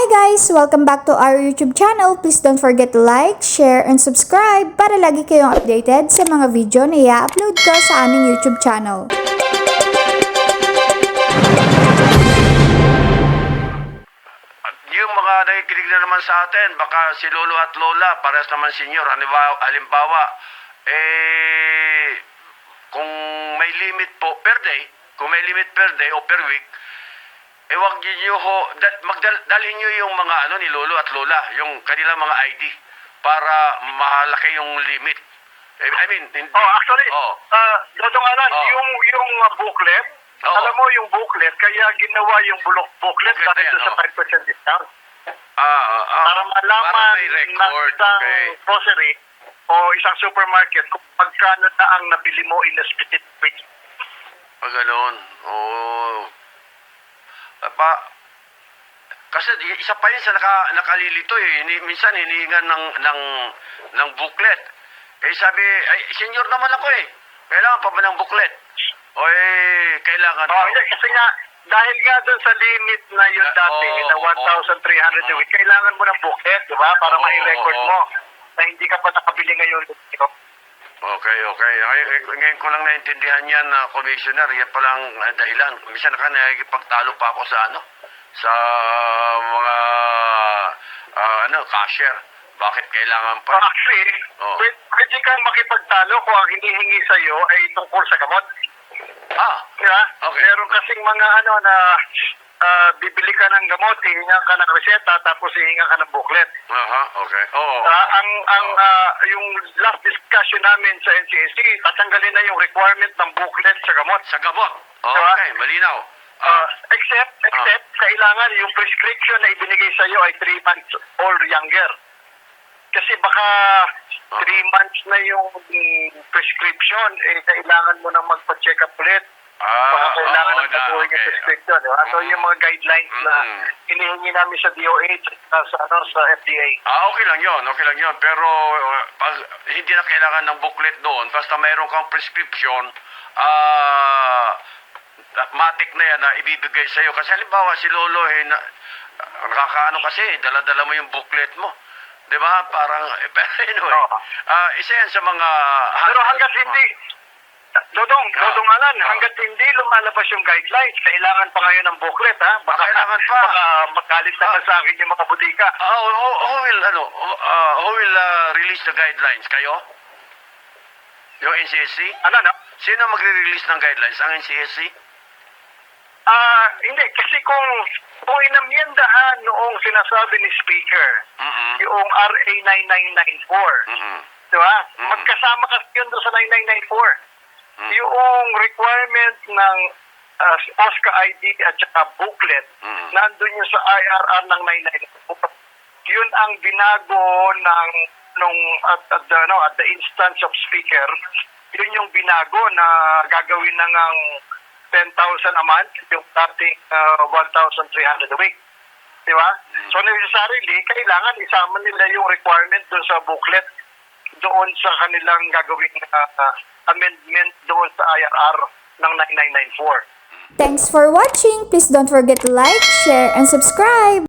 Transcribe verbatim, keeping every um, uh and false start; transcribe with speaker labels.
Speaker 1: Hi guys! Welcome back to our YouTube channel. Please don't forget to like, share, and subscribe para lagi kayong updated sa mga video na i-upload ko sa aming YouTube channel.
Speaker 2: Yung mga nakikinig na naman sa atin, baka si Lolo at Lola, parehas naman senior, halimbawa, halimbawa eh, kung may limit po per day, kung may limit per day o per week, eh wag niyo ho, dal, magdalhin niyo yung mga ano ni Lolo at Lola, yung kanilang mga I D, para malaki yung limit. I mean, hindi.
Speaker 3: Oh, actually,
Speaker 2: oh.
Speaker 3: uh, Dodong Alan,
Speaker 2: Oh.
Speaker 3: yung, yung uh, booklet,
Speaker 2: Oo.
Speaker 3: alam mo yung booklet, kaya ginawa yung bulok booklet
Speaker 2: Booklet
Speaker 3: dahil
Speaker 2: na yan,
Speaker 3: doon sa
Speaker 2: oh.
Speaker 3: five percent discount.
Speaker 2: Ah, ah, ah,
Speaker 3: Para malaman
Speaker 2: para may
Speaker 3: ng
Speaker 2: record,
Speaker 3: isang
Speaker 2: okay.
Speaker 3: grocery o isang supermarket kung magkano na ang nabili mo in a specific week.
Speaker 2: Ah, ganun. Oo. Ah, pa, kasi di- isa pa yun sa naka, nakalilito eh. Hini, minsan hinihingan ng, ng, ng booklet. Eh sabi, ay, senior naman ako eh. Kailangan pa ba ng booklet? O eh, kailangan.
Speaker 3: Oh, hindi, kasi nga, dahil nga doon sa limit na yun
Speaker 2: Ah,
Speaker 3: dati,
Speaker 2: oo,
Speaker 3: na one thousand three hundred a week, kailangan mo ng booklet, di ba? Para
Speaker 2: Oo,
Speaker 3: ma-record
Speaker 2: oo.
Speaker 3: mo na hindi ka pa nakabili ngayon.
Speaker 2: Okay, okay. Ay, ay, ngayon ko lang naintindihan yan, na Commissioner. Yan palang uh, dahilan. Minsan naka nakikipagtalo pa ako sa ano, sa mga ah, ano, cashier. Bakit kailangan pa?
Speaker 3: Actually,
Speaker 2: Oo.
Speaker 3: pwede, pwede kang makipagtalo kung ang hinihingi sa'yo ay tungkol sa gamot.
Speaker 2: Ah,
Speaker 3: Diba?
Speaker 2: Okay.
Speaker 3: Meron kasing mga ano na ah, bibili ka ng gamot, hihingan ka ng reseta, tapos hihingan ka ng booklet.
Speaker 2: aha, okay. Oo.
Speaker 3: Ah, ang ang ah, yung last discussion namin sa N C S C, tatanggalin na yung requirement ng booklet sa gamot.
Speaker 2: Sa gamot.
Speaker 3: Diba?
Speaker 2: Okay, malinaw.
Speaker 3: Ah, except, except, kailangan yung prescription na ibinigay sa iyo ay three months or younger. Kasi baka three months na yung mm, prescription, eh, kailangan mo nang magpa-check up ulit.
Speaker 2: Ah,
Speaker 3: Baka kailangan
Speaker 2: oo
Speaker 3: ng
Speaker 2: na,
Speaker 3: baguhin yung
Speaker 2: okay.
Speaker 3: prescription. Diba? So,
Speaker 2: Mm.
Speaker 3: yung mga guidelines na
Speaker 2: Mm.
Speaker 3: hinihingi namin sa D O H at sa, ano, sa F D A.
Speaker 2: Ah, okay lang yun, okay lang yun. Pero uh, pag hindi na kailangan ng booklet doon, basta mayroon kang prescription, ah, matik na yan na ibibigay sa'yo. Kasi halimbawa si Lolo, eh, na, nakakaano kasi, dala-dala mo yung booklet mo. Di ba? Parang, eh, pero anyway,
Speaker 3: Oo.
Speaker 2: ah, isa yan sa mga...
Speaker 3: Pero hanggat hindi, Dodong,
Speaker 2: Ah.
Speaker 3: Dodong Alan,
Speaker 2: Ah.
Speaker 3: hanggat hindi lumalabas yung guidelines, kailangan pa ngayon ng booklet, ha? Baka,
Speaker 2: Ah, kailangan pa.
Speaker 3: Baka magalit naman
Speaker 2: Ah.
Speaker 3: sa akin yung mga butika.
Speaker 2: Ah, who, who, who will, ano, uh, who will uh, release the guidelines? Kayo? Yung N C S C?
Speaker 3: Ano, no?
Speaker 2: Sino magre-release ng guidelines? Ang N C S C?
Speaker 3: Ah, hindi, kasi kung, kung inamyendahan noong sinasabi ni Speaker,
Speaker 2: Mm-mm.
Speaker 3: yung R A nine nine nine four,
Speaker 2: Mm-mm.
Speaker 3: di ba?
Speaker 2: Mm.
Speaker 3: Magkasama kasi yun doon sa nine nine nine four.
Speaker 2: Mm.
Speaker 3: Yung requirement ng uh, OSCA I D at saka booklet,
Speaker 2: Mm.
Speaker 3: nandun yung sa I R R ng nine nine nine four. Yun ang binago ng nung at, at, the, no, at the instance of Speaker, yun yung binago na gagawin na ngang ten thousand a month, yung dating uh, one thousand three hundred a week. Di ba?
Speaker 2: Mm.
Speaker 3: So necessarily, kailangan isama nila yung requirement doon sa booklet, doon sa kanilang gagawin uh, amendment doon sa I R R ng nine nine nine four.
Speaker 1: Thanks for watching! Please don't forget to like, share, and subscribe!